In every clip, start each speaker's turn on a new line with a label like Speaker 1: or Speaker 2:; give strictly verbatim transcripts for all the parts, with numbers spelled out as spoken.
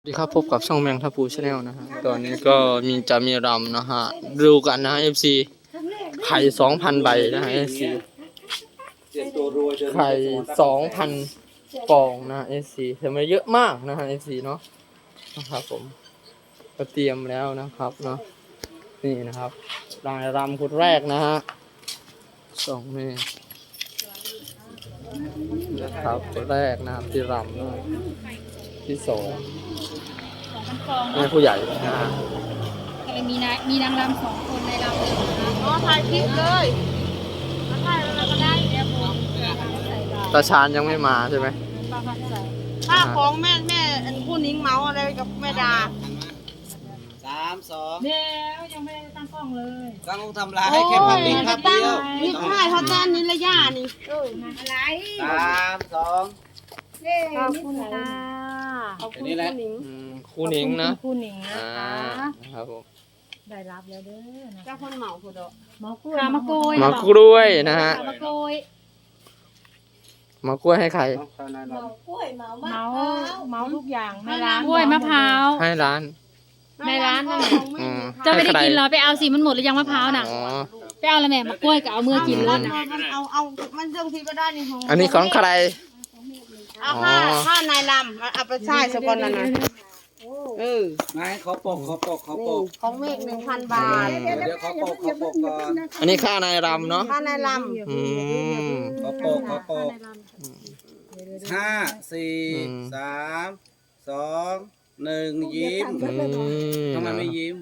Speaker 1: สวัสดีครับพบกับช่องแมงทัพูชาแนลนะฮะตอนนี้ก็มีจะมีรำนะฮะดูกันนะเอฟซีไข่สองพันใบนะฮะเอฟซีไข่สองพันฟองนะเอฟซีทำไมเยอะมากนะฮะเอฟซีเนาะนะครับผมก็เตรียมแล้วนะครับเนาะนี่นะครับรายรำคนแรกนะฮะสองเมตรนะครับคนแรกนะครับที่รำนะที่สองแม่ผู้ใหญ่นะฮะ
Speaker 2: ก็เลยมีนายมีนางรำสองคนในรำเลยนะ
Speaker 3: อ๋อถ่ายคลิปเลยมาถ่ายอะไรก็ได้เดี๋ยวผม
Speaker 1: ตาชาญยังไม่มาใช่ไหม
Speaker 2: ป้าพัดใส่
Speaker 3: ค่าของแม่แม่อันผู้นิ้งเมาอะไรกับแม่ดา
Speaker 4: สามสอง
Speaker 2: เดี๋ยวยังไม่ได้ตั้งกล้องเลย
Speaker 4: ตั้งทำลายให้แค่ภาพนิ่งภาพเดียว
Speaker 3: นี่ค่ายเขาแต้นนี่ระยะนี่
Speaker 2: เออมาอะไร
Speaker 4: สามสอง
Speaker 2: เย้ขอบคุณค่ะ
Speaker 3: ขอบคุณผู้นิ้ง
Speaker 1: อืมครูหนิงนะ
Speaker 2: คุณหนิงนะ
Speaker 1: อ่า
Speaker 2: คะ
Speaker 1: นะครับผม
Speaker 2: ได้รับแล้วเด้อนะ
Speaker 3: เจ้าคนเหมาผู้ดอก
Speaker 2: หมอกล้วยมะกล้วย
Speaker 1: มากล้วยนะฮะ
Speaker 2: มะกล้วย
Speaker 1: มากล้วยให้ใคร
Speaker 2: เมาเมาทุกอย่างในร้านกล้วยมะพร้าว
Speaker 1: ให้ร้าน
Speaker 2: ในร้าน
Speaker 1: อืม
Speaker 2: จะไม่ได้
Speaker 1: ให้ใค
Speaker 2: กินเหรอไปเอาสิมันหมดหรือยังมะพร้าวน่ะ
Speaker 1: อ๋อ
Speaker 2: ไปเอาละแม่มะกล้วยกับเอามือกินเลย
Speaker 3: มันเอาเอามันเรื่องที่ก็ได้นี่ของ
Speaker 1: อันนี้ของใคร
Speaker 3: เอาค่าค่านายลำเอาไปใช้สกอนนั่นนะเออ
Speaker 4: ไงขอปกขอปกขอป
Speaker 3: นี่
Speaker 4: ก
Speaker 3: ของเมฆหนึ่งพันบาท
Speaker 4: เดี๋ยวขอปกขอปกก่อน
Speaker 1: อันนี้ค่านายรำเนาะ
Speaker 3: ค่านายล
Speaker 1: อืม
Speaker 4: ขอปกขอปกห้าสี่
Speaker 1: อืม
Speaker 4: สามสองหนึ่งยิ้ม
Speaker 1: อืม
Speaker 4: ทำไมไม่ยิ้ม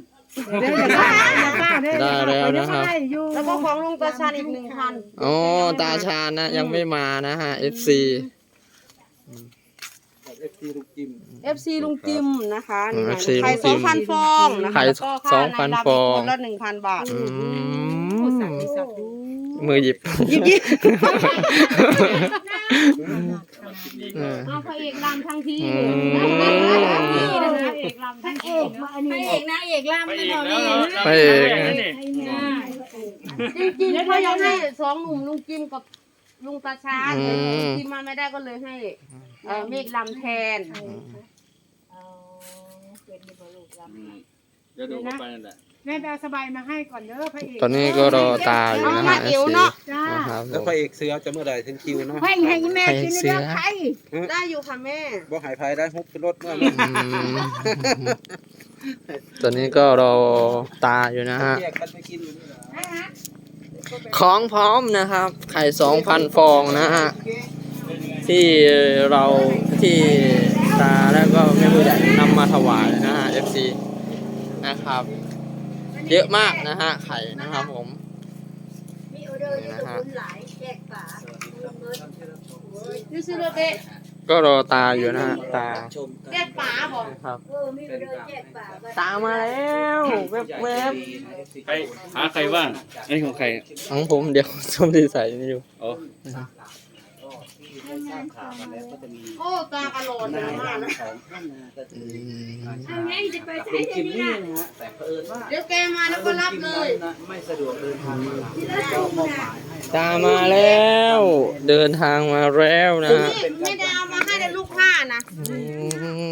Speaker 1: ได้แล้วนะครับ
Speaker 3: ำแล้วก็ของลุงตาชาญอีกหนึ่งพัน
Speaker 1: โอ้ตาชาญนะยังไม่มานะฮะ เอฟ ซี
Speaker 4: เอฟซีลูกจิ้ม
Speaker 3: เอฟซีลุงจิมนะคะนี่
Speaker 1: เอ
Speaker 3: นะ
Speaker 1: ฟซี
Speaker 3: ไข่
Speaker 1: ลุง
Speaker 3: ส
Speaker 1: จิ
Speaker 3: อง
Speaker 1: ม
Speaker 3: พันฟองนะคะ
Speaker 1: ไข่
Speaker 3: แล้วก็ค่า
Speaker 1: สองพัน
Speaker 3: ายรำ
Speaker 1: ฟอง
Speaker 3: คนละหนึ่งพันบาท
Speaker 1: อืมมือหยิบ
Speaker 3: ยิบยิบ
Speaker 1: เออ
Speaker 3: เอาพระเอกรำทั้งที
Speaker 1: อืม
Speaker 2: เอกลำทั้งเอกพระเอกนางเอกลำไม่พอดี
Speaker 1: ไปเองนะ
Speaker 3: จริงๆเขายังให้สองหนุ่มลุงจิมกับลุงตาชาญแต่ลุงจิมมาไม่ได้ก็เลยให้เอ่อเมฆรำแทน
Speaker 4: เดี๋ยวดูเข้าไปนั่นแหละ
Speaker 5: แม่ไปเอาสบายมาให้ก่อนเด้อพระเอก
Speaker 1: ตอนนี้ก็รอตาอยู่นะฮะ เอฟ ซี
Speaker 5: จ้า
Speaker 1: นะครับผ
Speaker 4: แล้ว
Speaker 1: ม
Speaker 4: พระเอกเสือจะเมื่อไหร่ถึงคิวเนาะ
Speaker 5: ให้ให้แม่กิน
Speaker 1: ให้เสื
Speaker 5: เด้
Speaker 1: อ
Speaker 5: อใคร
Speaker 3: ได้อยู่ค่ะแม่
Speaker 4: บ่หายภัยได้ฮุบขึ้นรถเมื่อ
Speaker 1: อืมตอนนี้ก็รอตาอยู่นะฮะ
Speaker 4: แยกกันไปกินอยู่นี่แหละ
Speaker 1: ของพร้อมนะครับ ไข่สองพันฟองนะฮะ ที่เราที่ตาแล้วก็แม่ผู้ใหญ่นำมาถวายนะฮะ เอฟ ซี นะครับ เยอะมากนะฮะ ไข่นะครับผมนี่นะฮะ
Speaker 3: นี่ซื้อรถเด็
Speaker 1: ก็รอตาอยู่นะฮะ ตา
Speaker 4: ชมกัน
Speaker 3: แด็กป๋าบอก
Speaker 1: ครับ
Speaker 4: เป็นการ
Speaker 1: ตามาแล้วแวบแวบ
Speaker 6: ใครหาใครบ้างอันนี้ของใคร
Speaker 1: ๆของผมเดี๋ยวชมที่ใส่นี่อยู่
Speaker 6: อ๋อ
Speaker 4: ทราบข่าวมาแล้วก็จะมี
Speaker 3: โอ้ตากระโหลกเลยมากนะ
Speaker 4: ของท่านนะก็คือ
Speaker 1: อืม
Speaker 4: กับลุงจิมมี่นะฮะแต่เผอิญว่า
Speaker 3: เดี๋ยวแกมาแล้วก็รับเลย
Speaker 4: นะไม่สะดวกเดินทางมาก็มอบหมายให้
Speaker 1: ตามาแล้ว เดินทางมาแล้วนะฮะ
Speaker 3: นี่ไม่ได้เอามาให้แต่ลูกค้านะ
Speaker 1: อืม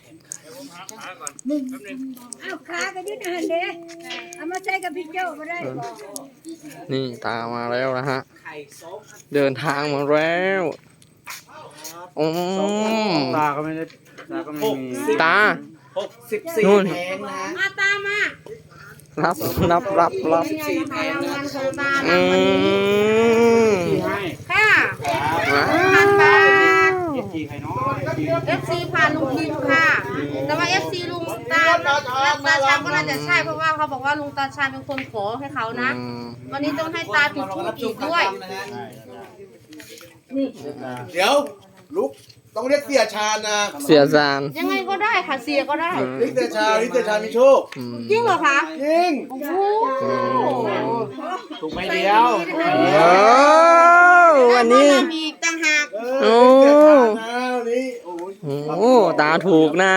Speaker 5: เอาขากันยืดหันเด้เอามาใส่กับพี่เจ้าก็ได้บอก
Speaker 1: นี่ตามาแล้วนะฮะ
Speaker 4: ไข่สอง
Speaker 1: เดินทางมาแล้วอืม
Speaker 6: ตาก็ไม่ได้ตาก็ไม่มี
Speaker 1: ตา
Speaker 4: หกสิบสี่
Speaker 1: นู่น
Speaker 4: แผงนะฮะ
Speaker 3: มาตามมา
Speaker 1: รับรับรับรับ
Speaker 3: เป็นไงนะคะรางวัลของตา
Speaker 1: อื
Speaker 3: รางวัลนี้
Speaker 1: ม
Speaker 6: ให้
Speaker 3: ค่ะ
Speaker 1: ว้า
Speaker 3: พันบาท
Speaker 6: เอ็กี่ใครเนาะ
Speaker 3: เอฟซีผ่านลุงจิมค่ะ แต่ว่าเอฟซีลุงตาและตาชาญก็น่าจะใช่เพราะว่าเขาบอกว่าลุงตาชาญเป็นคนขอให้เขานะ
Speaker 1: อืม
Speaker 3: วันนี้ต้องให้ตาจุดธูปอีกด้วย
Speaker 7: เดี๋ยวลุกต้องเรียกเสียชาญนะ
Speaker 1: เสียจาน
Speaker 3: ยังไงก็ได้ค่ะเสียก็ได้
Speaker 7: เรียกเสียชาญเรียกเสียชาญมีโชค
Speaker 1: อืม
Speaker 3: จริงเหรอคะ
Speaker 7: จริง
Speaker 3: โอ้โห
Speaker 6: ถูกไม่เดียว
Speaker 1: โอ้วันนี้
Speaker 3: ได้มาอีกต่างหาก
Speaker 7: เออเรียกเสียชาญนะวันนี้โอ้ย
Speaker 1: โอ้ตาถูกนะ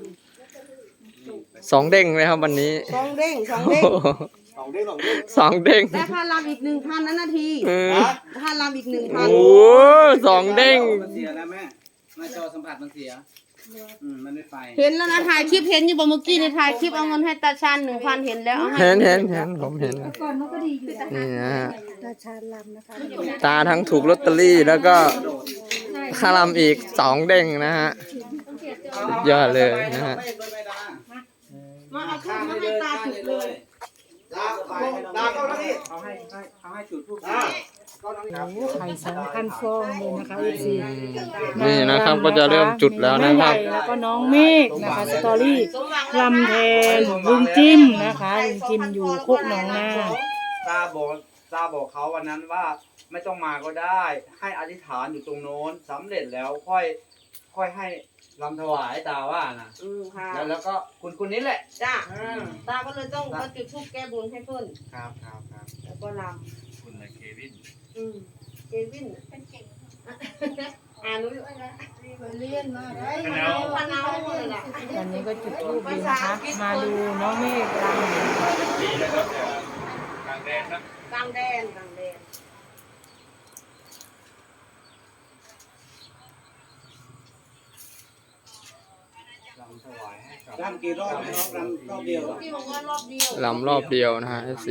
Speaker 1: สองเด้งเลยครับวันนี้
Speaker 3: สองเด้งสอง
Speaker 1: โอ้
Speaker 3: เด้ง
Speaker 1: โห
Speaker 7: สองเด้งสองเด้ง
Speaker 1: สองเด้ง
Speaker 3: ได้ค่าลำอีกหนึ่งพันนั้นนาที
Speaker 1: เออ
Speaker 3: ค่าลำอีกหนึ่งพัน
Speaker 1: โอ้สองเด้ง
Speaker 4: มันเสียแล้วแม่หน้าจอสัมผัสมันเสียอืมมันไม่ไป
Speaker 3: เห็นแล้วนะถ่ายคลิปเห็นอยู่บ่เมื่อกี้ในถ่ายคลิปเอาเงินให้ตาชาญหนึ่งพันเห็นแล้วเอาให้
Speaker 1: เห็นเห็นเห็นผมเห็น
Speaker 5: ก่อนมันก็ดีอยู่นะ
Speaker 1: นี่นะฮะ
Speaker 5: ตาชาญลำนะคะ
Speaker 1: ตาทั้งถูกลอตเตอรี่แล้วก็ค่าลำอีกสองเด้งนะฮะสุดยอดเลยนะฮะ
Speaker 4: ไม่ไม่ได้
Speaker 3: มาเอาทูบมาให้ตาจุดเลย
Speaker 7: ดาดาเข้าหน้าที่
Speaker 6: เขาให้ให้เขาให้จุดทูบ
Speaker 7: ดาเข้าหน้าที่
Speaker 5: ไข่สองพันฟองเลยนะคะเอฟซี
Speaker 1: นี่นะครับก็จะเริ่มจุดแล้วนะครับ
Speaker 5: แล้วก็น้องเมฆนะคะสตอรี่ลำแทนลุงจิ้มนะคะลุงจิ้มอยู่โคกหนองนา
Speaker 6: ตาบอกตาบอกเขาวันนั้นว่าไม่ต้องมาก็ได้ ให้อธิษฐานอยู่ตรงโน้นสำเร็จแล้วค่อยค่อยให้รำถวายตาว่านะ
Speaker 3: อืมค่ะ
Speaker 6: แล้วแล้วก็คุณคุณนี้แหละ
Speaker 3: จ้าตาก็เลยต้องมาจุดทูบแก้บนให้เพิ่น
Speaker 6: ครับครับครับ
Speaker 3: แล้วก็ล
Speaker 6: คุณเควิน
Speaker 3: ำอืมเควินเป็นเก่งอ่านรู้อยู่แล้วเรียนมาได้พันเอาเลยล่ะ
Speaker 5: วันนี้ก็จุดทูบอยู่นะคะ มาดูน้องเมฆลำ
Speaker 6: ดีนะครับกลางแดนครับ
Speaker 3: กลางแดนกลางแดน
Speaker 6: รำถวายให้กับ
Speaker 4: รำกี่รอบไหมรอบรำรอบเดียว
Speaker 3: พี่บอกว่ารอบเดียว
Speaker 1: ลำรอบเดียวนะฮะเอฟซี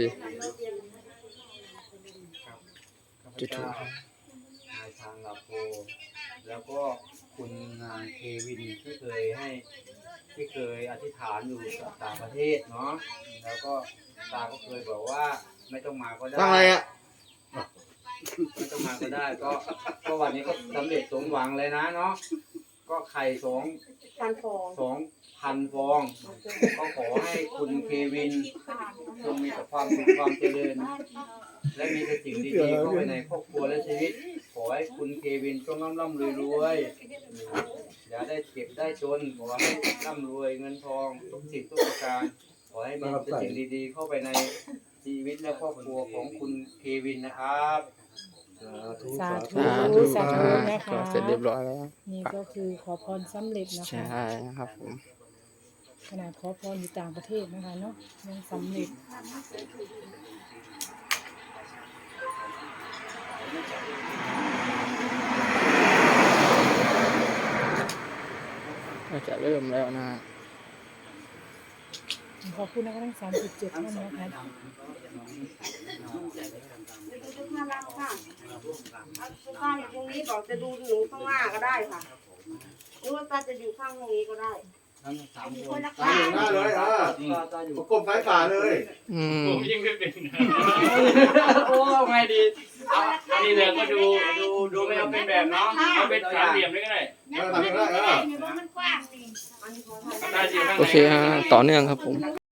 Speaker 1: จุดธูป
Speaker 6: นายทางลาโพแล้วก็คุณนายเควินที่เคยให้ที่เคยอธิษฐานอยู่ต่างประเทศเนาะแล้วก็ตาก็เคยบอกว่าไม่ต้องมาก็ได้
Speaker 7: ตั้งอะไรอ่ะ
Speaker 6: ไม่ต้องมาก็ได้ก็ก็วันนี้ก็สำเร็จสมหวังเลยนะเนาะก็ไข่สอง
Speaker 3: การฟอง
Speaker 6: สองพันฟองก็ขอให้คุณเควินจงมีแต่ความสุขความเจริญ และมีแต่สิ่งดีๆเข้าไปในครอบครัวและชีวิต ขอให้คุณเควินจงร่ำร่ำรวยรวยอย่าได้เก็บได้จนขอให้ร่ำรวยเงินทองทุกสิ่งทุกประการขอให้มีแต่สิ่งดีๆเข้าไปในชีวิตและครอบครัวของคุณเควินนะครับ
Speaker 5: สาธุ
Speaker 1: สาธุ
Speaker 5: สา
Speaker 1: ค
Speaker 5: ธุ
Speaker 1: รับ
Speaker 5: นะคะ
Speaker 1: ก็เสร็จเรียบร้อยแล้ว
Speaker 5: นี่ก็คือขอพรสำเร็จนะ
Speaker 1: ใช่
Speaker 5: คะ
Speaker 1: นะครับผม
Speaker 5: ขนาดขอพรอยู่ต่างประเทศนะคะเนาะยังสำเร็จ
Speaker 1: ก็จะเริ่มแล้วนะฮะ
Speaker 5: ขอบคุณนะคะทั้งสามสิบเจ็ดท่านนะคะ
Speaker 3: ดูข้างล่างค่ะข้างอยู่ตรงนี้บอกจะดูหนูข้างหน้าก็ได้ค่ะหรือว่าตาจะอยู่ข้างตรงนี้ก็ได้
Speaker 6: ทั้งสามคน
Speaker 7: ตาอยู่หน้าเลยอ่ะ
Speaker 6: ตาอยู่
Speaker 7: ประกบซ้ายขวาเลย
Speaker 1: อืม
Speaker 6: ผมยิ่งไม่เป็นโอ้ไงดีเอาอันนี้เลยก็ดูดูดูไม่เอาเป็นแบบเนาะเอาเป็นสามเหลี่ยมเลยก็ได้
Speaker 7: เออทำได้เออ
Speaker 2: มันกว้างนี่
Speaker 3: อันนี้ขอ
Speaker 6: ได้สิข้าง
Speaker 1: โอ
Speaker 6: ใน
Speaker 1: เคฮะต่อเนื่องครับผม